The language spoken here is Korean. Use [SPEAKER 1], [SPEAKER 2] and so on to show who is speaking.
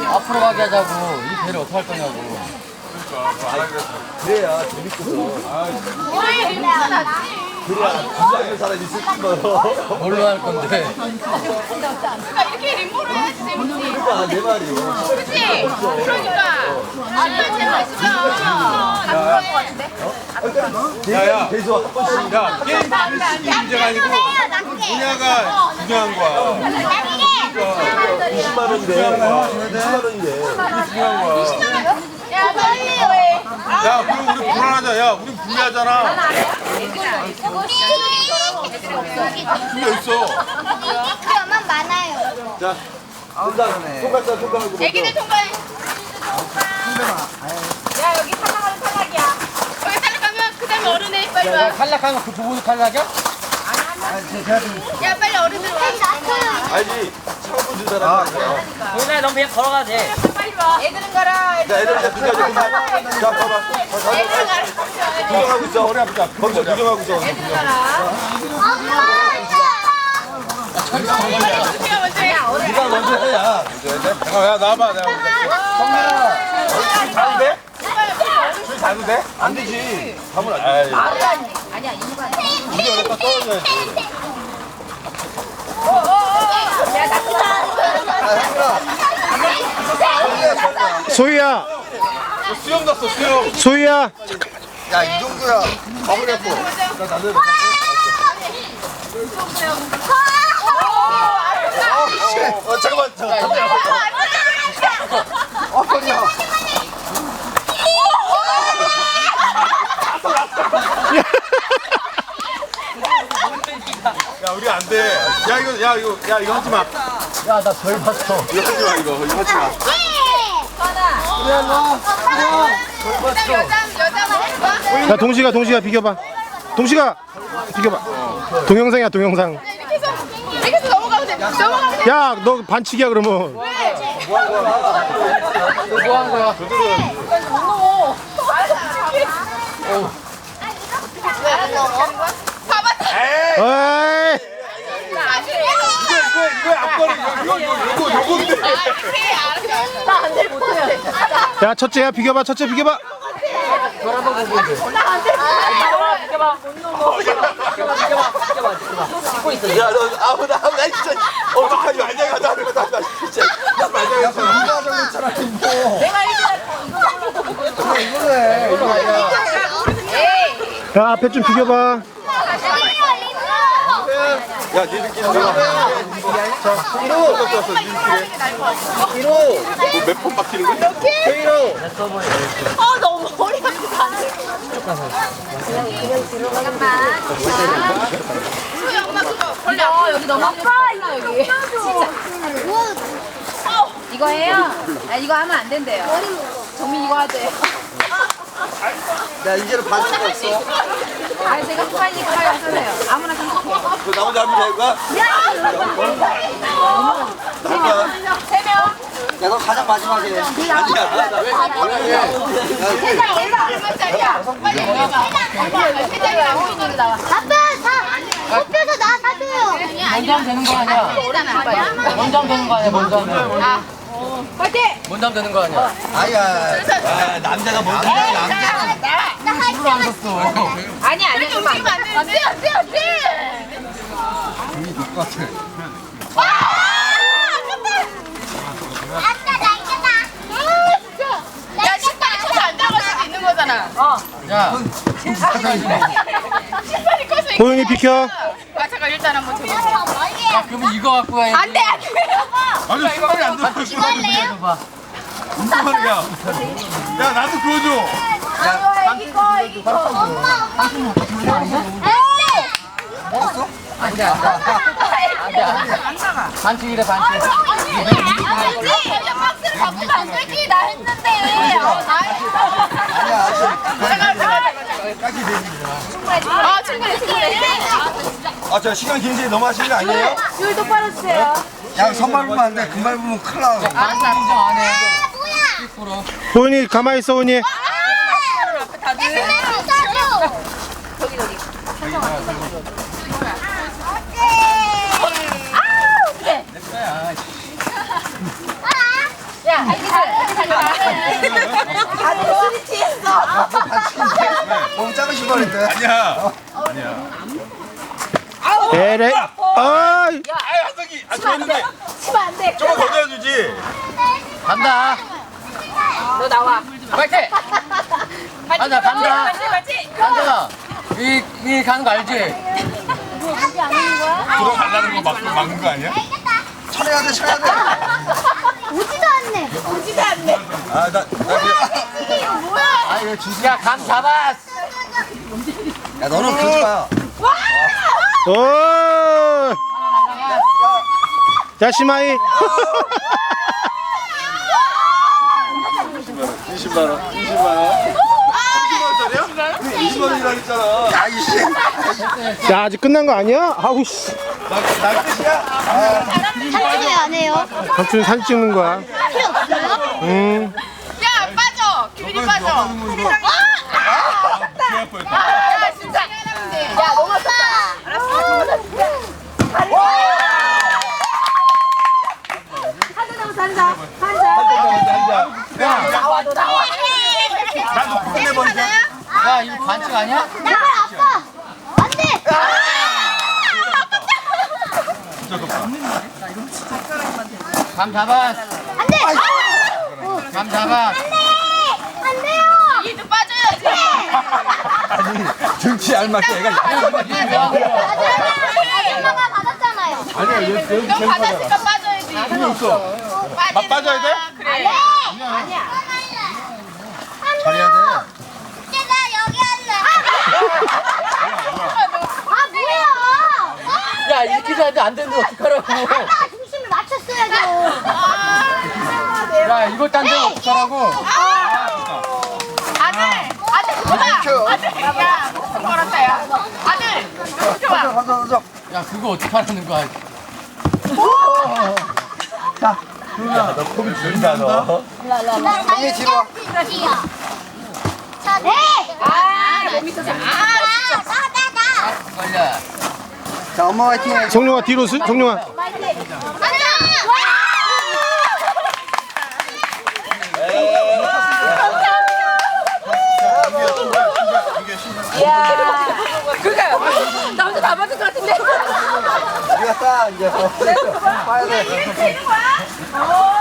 [SPEAKER 1] 앞으로 가게 하자고. 이 배를 어떻게 할 거냐고.
[SPEAKER 2] 그래야 재밌거든. 그래야 긴장하는 사람이 있을 거예요.
[SPEAKER 1] 뭘로 할 건데?
[SPEAKER 3] 그러니까 이렇게 림보를 해야지 재밌지.
[SPEAKER 2] 그러니까 내 말이요.
[SPEAKER 3] 그치? 그러니까. 아니, 재밌으면 가능할 것 같은데?
[SPEAKER 2] 야야. 계속 한 번씩.
[SPEAKER 4] 야, 게임 실력이 문제가 아니고 분야가 중요한 거야.
[SPEAKER 2] 20만 원인데. 20만 원인데.
[SPEAKER 4] 중요한 거야.
[SPEAKER 3] 야, 빨리 왜?
[SPEAKER 4] 야, 그럼 우리 불안하자. 야, 우리 불리하잖아. 불리 있어.
[SPEAKER 5] 그러면 많아요.
[SPEAKER 2] 자, 통과했어, 통과하고.
[SPEAKER 3] 애기들 통과해. 야, 여기 탈락하면 탈락이야. 여기 탈락하면 그 다음에 어른애 빨리 와.
[SPEAKER 1] 탈락하면 그 두 분이 탈락이야?
[SPEAKER 3] 야, 빨리 어른들 와.
[SPEAKER 2] 알지? 차고 준 사람.
[SPEAKER 1] 동생아, 넌 그냥 걸어가도 돼.
[SPEAKER 3] 빨리 와. 애들은 가라.
[SPEAKER 2] 자, 애들 자, 끝까지 끝까지. 자, 봐봐.
[SPEAKER 3] 애들은 가라.
[SPEAKER 2] 구경하고 있어. 허리 아프다. 거기서 구경하고 있어.
[SPEAKER 3] 애들은 가라. 어떻게 먼저 해?
[SPEAKER 2] 네가 먼저 해야.
[SPEAKER 4] 잠깐, 야, 나와봐. 내가
[SPEAKER 2] 술 자도 돼? 술 자도 돼? 안 되지. 가면 안 돼.
[SPEAKER 3] 아니야, 이거
[SPEAKER 2] 이제 여기다 떨어져야지.
[SPEAKER 6] 소희야,
[SPEAKER 4] 수영 났어, 수영.
[SPEAKER 6] 소희야.
[SPEAKER 2] 야, 이 정도야. 가버려 또. 나는. 잠깐만. 허리야.
[SPEAKER 4] 야, 우리 안 돼. 이거 하지 마.
[SPEAKER 1] 야, 나 별 봤어.
[SPEAKER 4] 이거 하지 마, 이거 하지 마.
[SPEAKER 3] 여자
[SPEAKER 6] 야, 동시가 비켜봐. 동시가 비켜봐. 동영상이야, 동영상.
[SPEAKER 3] 이렇게 해서 넘어가면 돼. 넘어가면 돼.
[SPEAKER 6] 야, 너 반칙이야 그러면.
[SPEAKER 1] 뭐 하는 거야?
[SPEAKER 3] 봐봐.
[SPEAKER 6] 에이.
[SPEAKER 4] 이거 앞거리, 요건데.
[SPEAKER 3] 나안돼 못해.
[SPEAKER 6] 야, 첫째야 비켜봐. 첫째 비켜봐.
[SPEAKER 2] 야, 너 아무나 진짜. 어떡하지? 만약에 가자. 나 진짜. 나 만약에 가자.
[SPEAKER 6] 야, 앞에 좀 비켜봐.
[SPEAKER 2] 야, 니들끼리 들어가. 자, 1호. 몇번 바뀌는 거야? 1호.
[SPEAKER 3] 너무 머리가 안 돼. 잠깐만. 소희 엄마 그거 벌려. 여기 너무 아파 여기. 진짜. 이거 해요? 아, 이거 하면 안 된대요. 정민 이거 하재.
[SPEAKER 2] 야, 이제는 반 수가 없어.
[SPEAKER 3] 아, 제가 빨리니까 빨리 하세요. 아무나 선택해.
[SPEAKER 2] 그 나머지 한번 해볼까?
[SPEAKER 3] 세 명.
[SPEAKER 2] 야, 너 가장 마지막에. 아니야.
[SPEAKER 3] 세 장 얼마짜리야? 빨리 얘기해봐. 세 장이랑 호인으로 나와.
[SPEAKER 5] 아빠, 뽑혀서 나 사줘요.
[SPEAKER 1] 먼저 하면 되는 거 아니야? 먼저 하면 되는 거 아니야? 먼저 하면.
[SPEAKER 3] 파이팅!
[SPEAKER 1] 먼저 하면 되는 거 아니야?
[SPEAKER 2] 아야. 남자가 먼저 해. 남자는.
[SPEAKER 1] 술을 안 샀어.
[SPEAKER 3] 아니야, 그러면 안 되는데. 안 돼.
[SPEAKER 5] 아빠, 나 이거다.
[SPEAKER 3] 야, 신발이 커서 안 들어갈 수도 있는 거잖아.
[SPEAKER 1] 야,
[SPEAKER 3] 신발이 커서
[SPEAKER 6] 호윤이 비켜.
[SPEAKER 3] 아, 잠깐 일단 한번 줘봐.
[SPEAKER 1] 야, 그러면 이거 갖고 가야지.
[SPEAKER 3] 안 돼.
[SPEAKER 4] 아니, 신발이 안 들어갈 거야.
[SPEAKER 1] 이거 봐.
[SPEAKER 4] 무슨 말이야? 야, 나도 그거 줘.
[SPEAKER 3] 애기 거.
[SPEAKER 1] 안 돼. 반칙이래, 반칙.
[SPEAKER 3] 아니지. 박스를 갖고 안 되지. 나 했는데. 아, 충분해.
[SPEAKER 2] 아, 저 시간 굉장히 너무 하시는 거 아니에요?
[SPEAKER 3] 줄 똑바로 주세요.
[SPEAKER 2] 야, 선발 보면 안 돼. 금발 보면 큰일 나.
[SPEAKER 1] 인정 안 해.
[SPEAKER 6] 호윤이 가만히 있어, 호윤이.
[SPEAKER 3] 야,
[SPEAKER 2] 너무 작으신 말인데.
[SPEAKER 4] 아니야.
[SPEAKER 6] 에레. 아,
[SPEAKER 4] 아유 한석이. 아 좋았는데.
[SPEAKER 3] 치면 안 돼.
[SPEAKER 4] 조금 던져주지.
[SPEAKER 1] 간다.
[SPEAKER 3] 너 나와.
[SPEAKER 1] 파이팅. 간다 간다.
[SPEAKER 3] 맞지?
[SPEAKER 1] 간다. 이 가는 거 알지?
[SPEAKER 4] 들어가려는 거 막는 거 아니야?
[SPEAKER 2] 쳐내야 돼, 쳐야 돼.
[SPEAKER 5] 오지도 않네.
[SPEAKER 3] 오지도 않네.
[SPEAKER 4] 아 나 그냥.
[SPEAKER 3] 이거 뭐야?
[SPEAKER 1] 아 이거 진짜 감 잡았어.
[SPEAKER 2] 야, 너는 그러지 마.
[SPEAKER 6] 오. 자, 시마이.
[SPEAKER 4] 20만 원. 20만 원이라 했잖아.
[SPEAKER 2] 야, 이씨.
[SPEAKER 6] 야, 아직 끝난 거 아니야? 아우 씨.
[SPEAKER 4] 나 끝이야?
[SPEAKER 5] 사진 왜안 해요?
[SPEAKER 6] 삼촌 사진 찍는 거야.
[SPEAKER 5] 필요 없어요?
[SPEAKER 6] 응.
[SPEAKER 3] 야 빠져. 기분이 빠져.
[SPEAKER 4] 아,
[SPEAKER 3] 야 진짜. 야 너무 아파. 알았어. 나와 너 나와.
[SPEAKER 4] 나도 국내 번째.
[SPEAKER 1] 야 이거 반칙 아니야?
[SPEAKER 5] 제발 아빠. 안 돼.
[SPEAKER 1] 감 잡았어.
[SPEAKER 5] 안 돼.
[SPEAKER 1] 감 잡았어.
[SPEAKER 5] 안 돼요.
[SPEAKER 3] 이도 빠져야지.
[SPEAKER 2] 아니, 등치 알맞게 애가
[SPEAKER 5] 아줌마가 받았잖아요.
[SPEAKER 2] 아니야, 여기
[SPEAKER 3] 너 받았으니까 빠져야지.
[SPEAKER 4] 빠져야 돼?
[SPEAKER 3] 그래.
[SPEAKER 5] 아니야.
[SPEAKER 2] 잘해야 돼.
[SPEAKER 5] 이제 나 여기 할래. 아 뭐야?
[SPEAKER 1] 야 이렇게 해도 안 되는데 어떡하라고.
[SPEAKER 5] 아빠가 중심을 맞췄어야죠.
[SPEAKER 1] 야 이것도 안 되면 어떡하라고.
[SPEAKER 3] 아들 그거다. 아들 야 걸었다 야. 아들 좋아.
[SPEAKER 2] 가자.
[SPEAKER 1] 야 그거 어떡하라는 거야.
[SPEAKER 2] 야, 너 폼이 준다, 너.
[SPEAKER 5] 형이 집어. 자, 네.
[SPEAKER 3] 몸이 터져.
[SPEAKER 5] 나다.
[SPEAKER 1] 걸려.
[SPEAKER 2] 자, 엄마 화이팅 해.
[SPEAKER 6] 성룡아 뒤로 성룡아.
[SPEAKER 5] 안녕.
[SPEAKER 3] 그러니까 나 혼자 다 맞을 것 같은데.
[SPEAKER 2] 우리가 싸, 이제. 봐야 돼.
[SPEAKER 3] 이렇게 되는 거야?